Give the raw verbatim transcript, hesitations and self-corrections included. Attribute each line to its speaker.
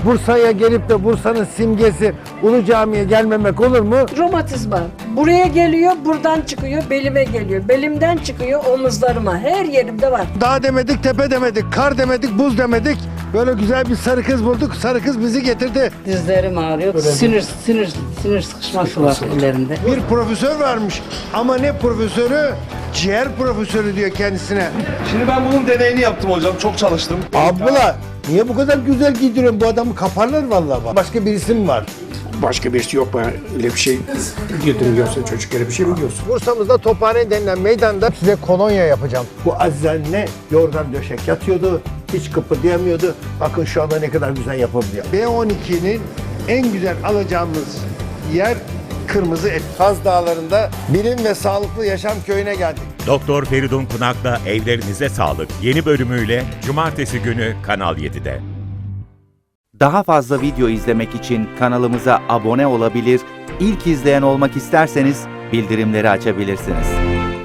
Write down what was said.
Speaker 1: Bursa'ya gelip de Bursa'nın simgesi Ulu Cami'ye gelmemek olur mu?
Speaker 2: Romatizma. Buraya geliyor, buradan çıkıyor, belime geliyor. Belimden çıkıyor omuzlarıma. Her yerimde var.
Speaker 1: Dağ demedik, tepe demedik, kar demedik, buz demedik. Böyle güzel bir sarı kız bulduk. Sarı kız bizi getirdi.
Speaker 3: Dizlerim ağrıyor. Sinir sinir sinir sıkışması var ellerinde.
Speaker 1: Bir profesör varmış ama ne profesörü? Ciğer profesörü diyor kendisine.
Speaker 4: Şimdi ben bunun deneyini yaptım hocam. Çok çalıştım.
Speaker 1: Abla niye bu kadar güzel giydiriyorsun? Bu adamı kaparlar vallahi bak. Başka birisi mi var?
Speaker 5: Başka birisi yok bana öyle bir şey giydiriyorsun çocuklara bir şey mi diyorsun?
Speaker 1: Bursa'mızda Tophane denilen meydanda size kolonya yapacağım. Bu Aziz anne yorgan döşek yatıyordu. Hiç kıpırdayamıyordu. Bakın şu anda ne kadar güzel yapabiliyor. B on ikinin en güzel alacağımız yer Kırmızı Et. Kaz Dağları'nda Bilim ve Sağlıklı Yaşam Köyü'ne geldik.
Speaker 6: Doktor Feridun Pınak'la Evlerinize Sağlık yeni bölümüyle Cumartesi günü Kanal yedide.
Speaker 7: Daha fazla video izlemek için kanalımıza abone olabilir, ilk izleyen olmak isterseniz bildirimleri açabilirsiniz.